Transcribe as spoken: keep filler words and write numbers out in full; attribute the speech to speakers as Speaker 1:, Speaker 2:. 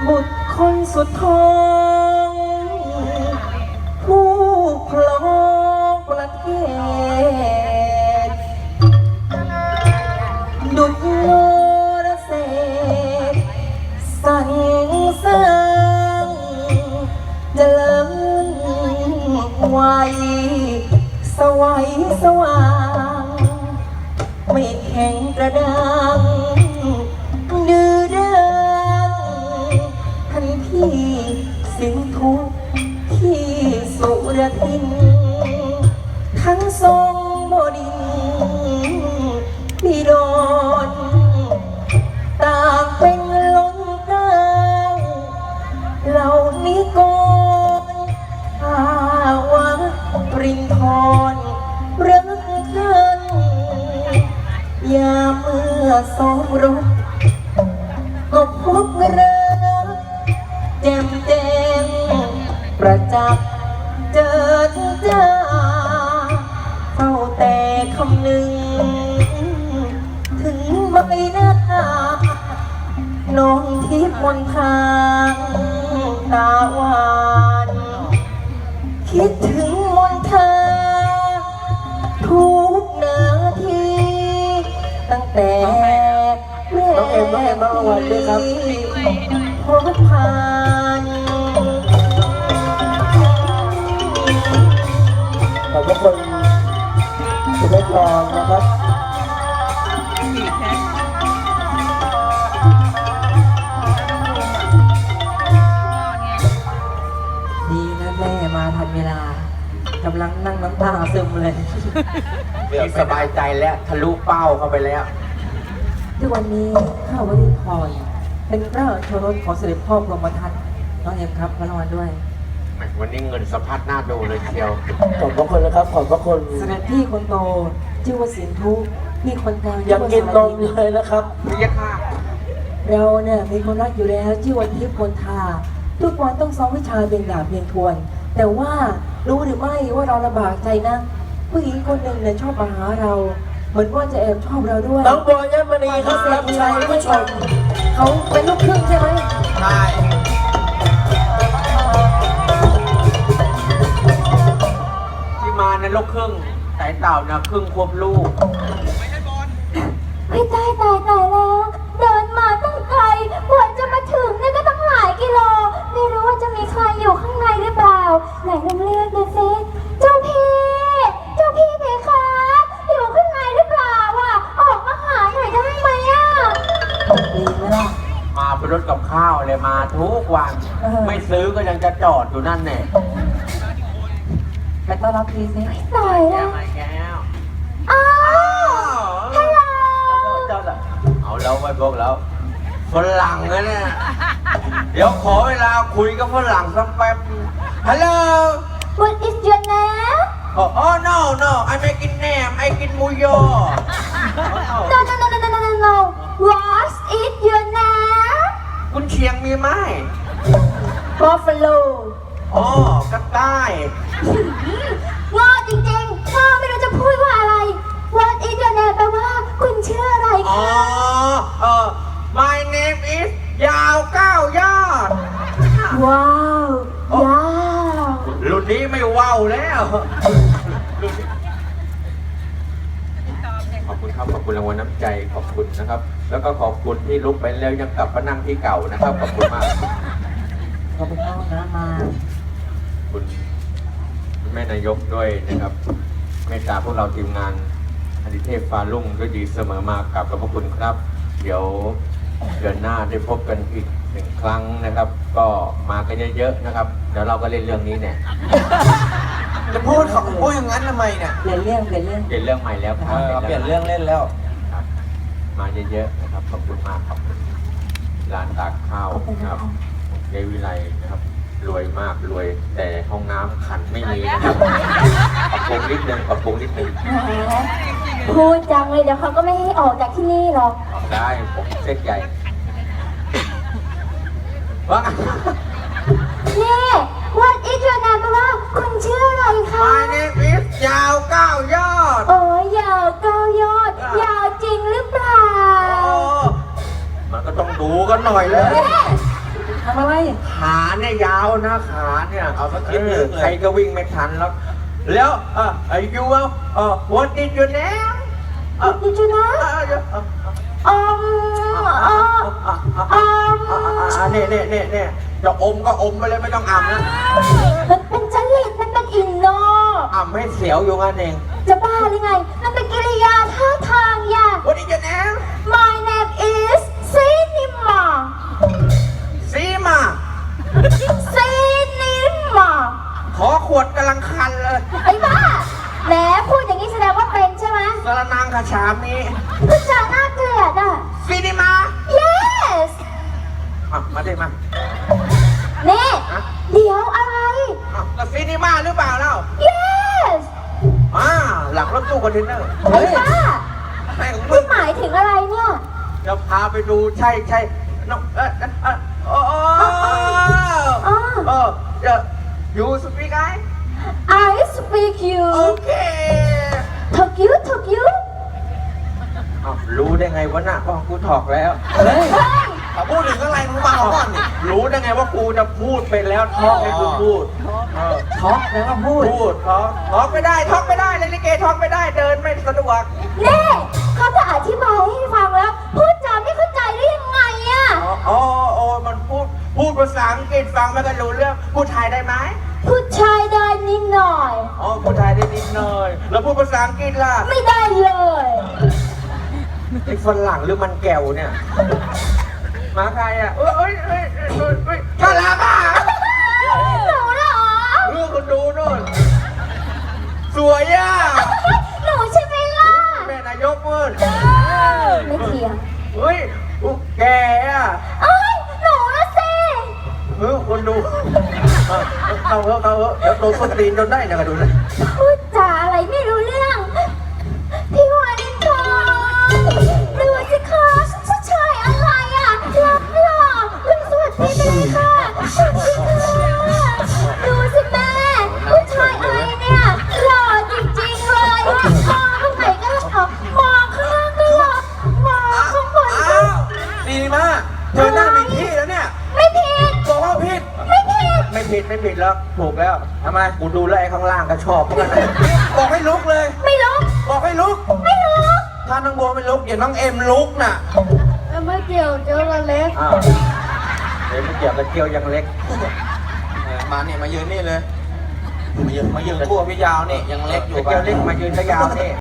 Speaker 1: บุตรคนสุดท้องผู้ครองประเทศดุจโนรเสกสั่งสร้างเจริญไว้สวัยสว่างไม่แข็งกระด้างดื้อด้านท่านพี่สิงทุกที่สุรทินทั้งทรงบดินทร์บิดรต่างเป็นล้นเกล้าเหล่านี้ก่อนอาวะปรินทรรักท่านยามเมื่อสองรบก็พบรักแจ่มแจ้งประจักษ์เจิดจ้าเฝ้าแต่คำหนึ่งถึงใบหน้าน้องทิพย์มนทางตาหวานคิดถึงมนทาทุกนาทีตั้งแต่แม่น้องเอ็มน้องเอ็มน้องอวันด้วยครับพบผ่าน
Speaker 2: ขอบคุณคุณแม่ทองนะครับ
Speaker 1: ดีนะแม่มาทันเวลากำลังนั่งน้ำตาซึมเลย
Speaker 3: เรื่องสบายใจแล้วทะลุเป้าเข้าไปแล้ว
Speaker 1: ทุกวันนี้ข้าววรินทร์เป็นพระโชรสของเสด็จพ่อพรหมทัตน้องเอ็มครับพระรางวัลด้วย
Speaker 3: วันนี้เงินสะพัดหน้าดูเลยเชียว
Speaker 2: ขอบพระคุณนะครับขอบพระคุณ
Speaker 1: เสด็จพี่คนโตชื่อว่าสินทุพี่คนกลาง
Speaker 2: ยังกินนมเลยนะครับ
Speaker 3: พี่ยะค่ะ
Speaker 1: เราเนี่ยมีคนรักอยู่แล้วชื่อว่าทิพย์คนทาทุกวันต้องซ้อมวิชาเบียงดาบเบียงทวนแต่ว่ารู้หรือไม่ว่าเราลำบากใจนะผู้หญิงคนหนึ่งเนี่ยชอบมาหาเราเหมือนว่าจะแอบชอบเราด้วย
Speaker 2: น้องโบยมณีครับรับใช้ผู้ชม
Speaker 1: เขาเป็นลูกครึ่งใช่ไหม
Speaker 3: ใช่ที่มาในลูกครึ่งสายเต่านะครึ่งควบลูก
Speaker 4: ไม่ตายตายตายแล้วเดินมาตั้งไกลกว่าจะมาถึงเนี่ยก็ต้องหลายกิโลไม่รู้ว่าจะมีใครอยู่ข้างในหรือเปล่าไหนลองเลือกดูสิเจ้าพี่เจ้าพี่เพคะอยู่ข้างในหรือเปล่าอ่ะออกมาหาหน่อยได้ไหมอ่ะ
Speaker 1: ดีไหมล่ะ
Speaker 3: มาเป็นรถกับข้าวเลยมาทุกวันไม่ซื้อก็ยังจะจอดอยู่นั่นแน่
Speaker 1: ไปต้อนรับพี่สิ
Speaker 4: ตายแล้ว
Speaker 3: แก้ว
Speaker 4: อ้าวฮัลโหล
Speaker 3: เอาแล้วไปบอกแล้วฝรั่งนะเนี่ยเดี๋ยวขอเวลาคุยกับฝรั่งสักแป๊บฮัลโหล
Speaker 4: What is your name
Speaker 3: โอ้ no no I make it name I กินมูโย
Speaker 4: No no no no no no no What is your name
Speaker 3: คุณเชียงมีไหม
Speaker 4: Buffalo
Speaker 3: อ๋อกระต่าย
Speaker 4: งอจริงๆงอไม่รู้จะพูดว่าอะไร What is your name แปลว่าคุณชื่ออะไรคะ
Speaker 3: อ๋อเออ My name is ยาวเก้ายอด
Speaker 4: ว้าวยาว
Speaker 3: รุ่นนี้ไม่ว้าวแล้วขอบคุณครับขอบคุณรางวัลน้ำใจขอบคุณนะครับแล้วก็ขอบคุณที่ลุกไปแล้วยังกลับมานั่งที่เก่านะครับขอบคุณมาก
Speaker 1: ขอบคุณมากนะมา
Speaker 3: คุณแม่นายกด้วยนะครับเมตตาพวกเราทีมงานอดิเทพฟ้าลุ่งด้วยดีเสมอมากับขอบคุณครับเดี๋ยวเดือนหน้าได้พบกันอีกหนึ่งครั้งนะครับก็มากันเยอะๆนะครับเดี๋ยวเราก็เล่นเรื่องนี้เนี่ย
Speaker 2: จะพูดเขาพูดอย่างนั้นทำไมเนี่ย
Speaker 1: เปลี่ยนเรื่องเปลี่ยนเรื่อง
Speaker 3: เปลี่ยนเรื่องใหม่แล้วครับ
Speaker 2: เปลี่ยนเรื่องเล่นแล้ว
Speaker 3: มาเยอะๆนะครับขอบคุณมากครับร้านตากข้าวนะครับเดวิไลนะครับรวยมากรวยแต่ห้องน้ำขันไม่มีนะครับปรับปรุงนิดนึงปรับปรุงนิดนึง
Speaker 4: พูดจังเลยเดี๋ยวเขาก็ไม่ให้ออกจากที่นี่หรอก
Speaker 3: ได้ผมเซ็ตใหญ่ว่า
Speaker 4: นี่ What is your name แปลว่าคุณชื่ออะไรคะ
Speaker 3: My name is ยาวเก้ายอด
Speaker 4: โอ้ยาวเก้ายอดยาวจริงหรือเปล่า
Speaker 3: มันก็ต้องดูกันหน่อยเลย
Speaker 1: ทำอะไร
Speaker 3: ขาเนี่ยยาวนะขาเนี่ย
Speaker 2: เอาสักทีหนึ่งเลย
Speaker 3: ใครก็วิ่งไม่ทันแล้ว แล้วเออไอ้ยูว่าเออ what did you name เออ
Speaker 4: ดิจูนะ
Speaker 3: เออเออเออ
Speaker 4: อืมอืมอืม
Speaker 3: อ่าเนี่ยเนี่ยเนี่ยเนี่ยจะอมก็อมไปเลยไม่ต้องอ่ำนะ
Speaker 4: มันเป็นจริตมันเป็นอินโน
Speaker 3: อ่ำให้เสียวอยู่งั้นเอง
Speaker 4: จะบ้าหรือไง มันเป็นกิริยาท่าทางอย่า
Speaker 3: What did you name
Speaker 4: My name is Cinema
Speaker 3: ซีมา
Speaker 4: Cinema
Speaker 3: ขอขวดกำลังคันเลย
Speaker 4: ไอ้บ้าแหมพูดอย่างนี้แสดงว่าเป็นใช่ไหม
Speaker 3: สารนางขาชามนี้
Speaker 4: พูดจาน่าเกลียดอ่ะ
Speaker 3: ซีนิมา
Speaker 4: Yes
Speaker 3: อ่ะมาดิมา
Speaker 4: นี่เดี๋ยวอะไร
Speaker 3: อ่ะแล้วซีนิมาหรือเปล่าเล่า
Speaker 4: Yes
Speaker 3: อ่าหลังรถตู้คอนเทนเนอร์
Speaker 4: ไอ้บ้า
Speaker 3: แม่ของมึ
Speaker 4: คุ
Speaker 3: ง
Speaker 4: ณหมายถึงอะไรเนี่ย
Speaker 3: จะพาไปดูใช่ใช่น้องเออเออโอ้โอ้
Speaker 4: อ๋อ
Speaker 3: เออเดี๋ยวยูสปีกไอ
Speaker 4: I speak you
Speaker 3: โอเค
Speaker 4: talk you talk you
Speaker 3: อ้าวรู้ได้ไงวะน่ะพ่อกูถอกแล้ว
Speaker 1: เฮ้ย
Speaker 4: เฮ้ย
Speaker 2: เขาพูดถึงอะไรมึงมาเอาก่อนนี่
Speaker 3: รู้ได้ไงว่ากูจะพูดไปแล้วท้องให้กูพูดเออ
Speaker 1: ท็อกแล้วก็พูด
Speaker 3: พูดท้องท้องไม่ได้ท้องไม่ได้เล่นลิเกท้องไม่ได้เดินไม่สะดวก
Speaker 4: นี่เขาจะอธิบายให้ฟังแล้ว พูดจาไม่เข้าใจได้ยังไงอะ
Speaker 3: อ๋ออ๋ออ๋อมันพูดพูดภาษาอังกฤษฟังไม่กันรู้เรื่องพูดไทยได้ไหม
Speaker 4: พูดชายได้นิดหน่อย
Speaker 3: อ๋อพูดไทยได้นิดหน่อยแล้วพูดภาษาอังกฤษล่ะ
Speaker 4: ไม่ได้เลย
Speaker 3: ไอ้ฝรั่งหรือมันแก้วเนี่ยมาใครอ่ะเอ้ยเอ้ยเอ้ยเอ้ยเอ้ยเอ้ยน่ารักอ่ะ
Speaker 4: หนูเหรอ
Speaker 3: เรื่องคนดูนู่นสวยอ่ะ
Speaker 4: หนูใช่ไหมล่ะ
Speaker 3: แม่นายกมืด
Speaker 4: ไม่เถียง
Speaker 3: เฮ้ยอุ๊ยแกอ่ะ
Speaker 4: เอ้ยหนูนะสิ
Speaker 3: เฮ้ยคนดูเออเอาเถอะเอาเถอะเดี๋ยวโดนส้นตีนจนได้นะกันดูนะ
Speaker 4: พูดจาอะไรไม่รู้เรื่อง พี่วานินทร์ดูสิคะผู้ชายอะไรอ่ะรักหล่อลุงสวัสดีไปเลยค่ะสวัสดีค่ะดูสิแม่ผู้ชายอะไรเนี่ยหล่อจริงๆเลยมองข้างไหนก็หล่อมองข้างล่างก็หล่อมองข้างบนก็
Speaker 2: อ้าวดีมากเธอหน้ามีที่แล้วเนี่ย
Speaker 4: ไม่ผิด
Speaker 2: บอกว่าผิด
Speaker 4: ไม่ผิด
Speaker 3: ไม่ผิดไม่ผิดแล้วถูกแล้วทำไมกูดูแลวไอ้ข้างล่างก็ชอบเหมือนกันนะ
Speaker 2: บอกให้ลุกเลย
Speaker 4: ไม่รู้
Speaker 2: บอกให้ลุก
Speaker 4: ไม่รู้
Speaker 2: ถ้าน้องบัวไม่ลุกอย่าน้องเอ็มลุกน่ะ
Speaker 4: ไม่เกี่ยวเจอละเล็ก
Speaker 3: อ้าวเดี๋ยวไม่เกี่ยวกับเกี่ยวยังเล็ก
Speaker 2: เออมาเนี่ยมายืนนี่เลย มายืนมายืนคู่กับพี่ยาวนี่ยังเล็กอยู่
Speaker 3: เกี่ยวเล็กมายืนก็ยาวนี่